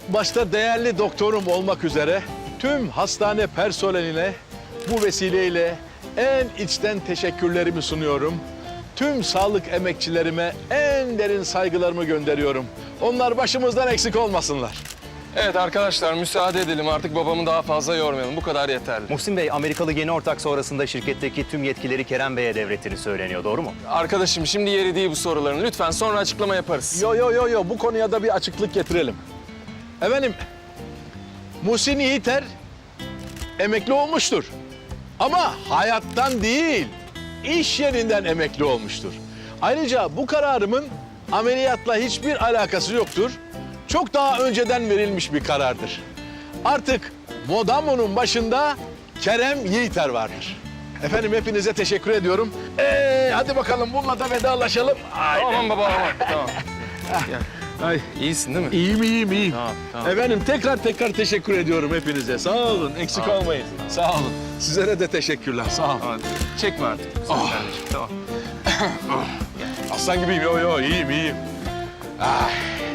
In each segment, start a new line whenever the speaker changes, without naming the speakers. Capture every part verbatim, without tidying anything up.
Başta değerli doktorum olmak üzere tüm hastane personeline bu vesileyle en içten teşekkürlerimi sunuyorum. Tüm sağlık emekçilerime en derin saygılarımı gönderiyorum. Onlar başımızdan eksik olmasınlar.
Evet arkadaşlar, müsaade edelim artık, babamı daha fazla yormayalım. Bu kadar yeterli.
Muhsin Bey, Amerikalı yeni ortak sonrasında şirketteki tüm yetkileri Kerem Bey'e devrettiğini söyleniyor. Doğru mu?
Arkadaşım, şimdi yeri değil bu soruların. Lütfen sonra açıklama yaparız.
Yo yo yo yo bu konuya da bir açıklık getirelim. Efendim, Muhsin Yiğiter emekli olmuştur. Ama hayattan değil, iş yerinden emekli olmuştur. Ayrıca bu kararımın ameliyatla hiçbir alakası yoktur. Çok daha önceden verilmiş bir karardır. Artık Modamo'nun başında Kerem Yiğiter vardır. Efendim hepinize teşekkür ediyorum. Ee, hadi bakalım bununla da vedalaşalım. Haydi.
Tamam baba, tamam. Tamam. Gel.
Ay.
İyisin değil mi?
İyiyim, iyiyim, iyiyim.
Tamam, tamam.
Efendim tekrar tekrar teşekkür ediyorum hepinize. Sağ olun, eksik
Tamam.
olmayın. Sağ olun. Sizlere de teşekkürler, sağ olun.
Hadi. Çekme artık. Sen
Oh.
kardeşim, tamam.
Aslan gibiyim, yo yo, iyiyim, iyiyim. Ah.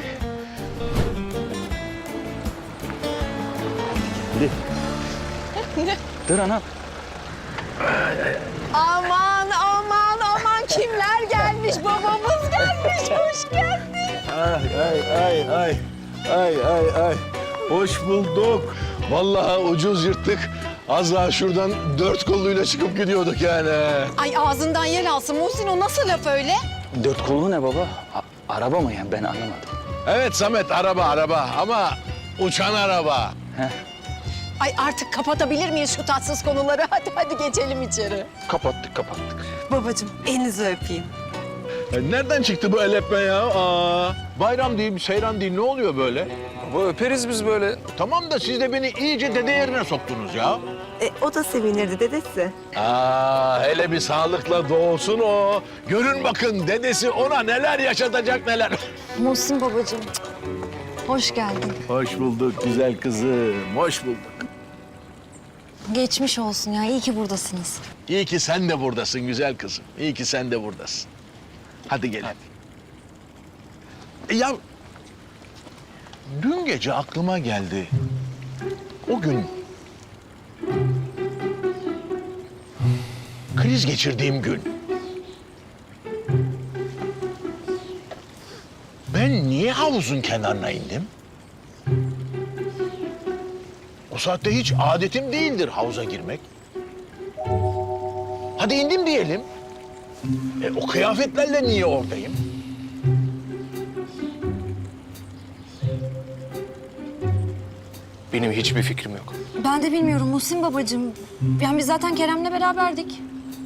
Dur ana.
Aman aman aman kimler gelmiş? Babamız gelmiş. Hoş geldin.
Ay, ay, ay, ay. Ay, ay, ay. Hoş bulduk. Vallahi ucuz yırttık. Az daha şuradan dört kolluyla çıkıp gidiyorduk yani.
Ay ağzından yel alsın. Muhsin o nasıl laf öyle?
Dört kollu ne baba? A- araba mı yani? Ben anlamadım.
Evet Samet, araba, araba. Ama uçan araba.
Ay artık kapatabilir miyiz şu tatsız konuları? Hadi hadi geçelim içeri.
Kapattık, kapattık.
Babacığım elinizi öpeyim.
E, nereden çıktı bu el öpme ya? Aa, bayram değil, seyran değil. Ne oluyor böyle?
Baba öperiz biz böyle.
Tamam da siz de beni iyice dede yerine soktunuz ya.
E, o da sevinirdi dedesi.
Aa, hele bir sağlıkla doğsun o. Görün bakın dedesi ona neler yaşatacak neler.
Muhsin babacığım, hoş geldin.
Hoş bulduk güzel kızım, hoş bulduk.
Geçmiş olsun ya, iyi ki buradasınız.
İyi ki sen de buradasın güzel kızım. İyi ki sen de buradasın. Hadi gelin. E ya, dün gece aklıma geldi. O gün kriz geçirdiğim gün. Ben niye havuzun kenarına indim? O saatte hiç adetim değildir havuza girmek. Hadi indim diyelim. E, o kıyafetlerle niye oradayım?
Benim hiçbir fikrim yok.
Ben de bilmiyorum Muhsin babacığım. Yani biz zaten Kerem'le beraberdik.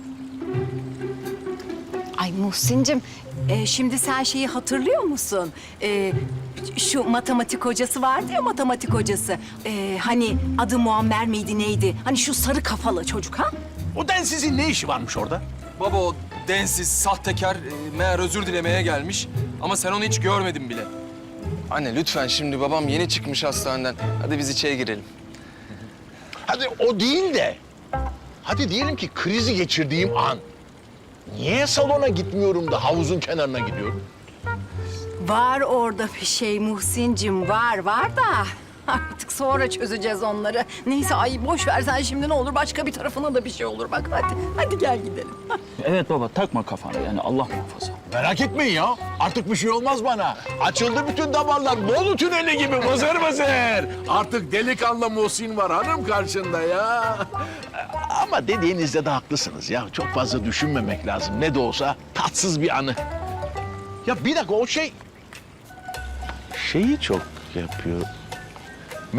Ay Muhsin'cim e, şimdi sen şeyi hatırlıyor musun? E, şu matematik hocası vardı ya, matematik hocası. E, hani adı Muammer miydi neydi? Hani şu sarı kafalı çocuk ha?
O densizin ne işi varmış orada?
Baba o densiz, sahtekar, e, meğer özür dilemeye gelmiş. Ama sen onu hiç görmedin bile. Anne lütfen, şimdi babam yeni çıkmış hastaneden. Hadi biz içeri girelim.
Hadi o değil de. Hadi diyelim ki krizi geçirdiğim an. Niye salona gitmiyorum da havuzun kenarına gidiyorum?
Var orada bir şey Muhsin'cim, var var da artık sonra çözeceğiz onları. Neyse ay boş ver sen şimdi, ne olur başka bir tarafına da bir şey olur bak, hadi. Hadi gel gidelim.
Evet baba, takma kafana yani, Allah muhafaza.
Merak etmeyin ya. Artık bir şey olmaz bana. Açıldı bütün damarlar. Bolu tüneli gibi vızır vızır. Artık delikanlı Muhsin var hanım karşında ya. Ama dediğinizde de haklısınız ya. Çok fazla düşünmemek lazım. Ne de olsa tatsız bir anı. Ya bir dakika, o şey... Şeyi çok yapıyor. Me...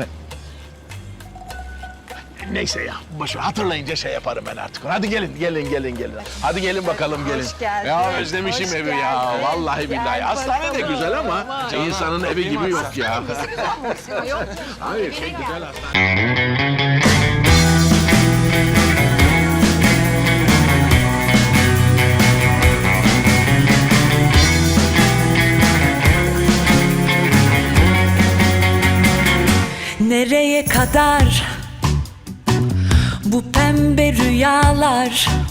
Neyse ya, boş ver. Hatırlayınca şey yaparım ben artık. Hadi gelin, gelin, gelin, gelin. Hadi gelin bakalım, gelin.
Hoş geldin.
Ya özlemişim
Hoş
evi ya.
geldin.
Vallahi billahi.
Gel
Hastane de
bakalım.
güzel ama insanın evi gibi yok ya.
Yok.
Hayır, şey güzel hastane.
Nereye kadar bu pembe rüyalar?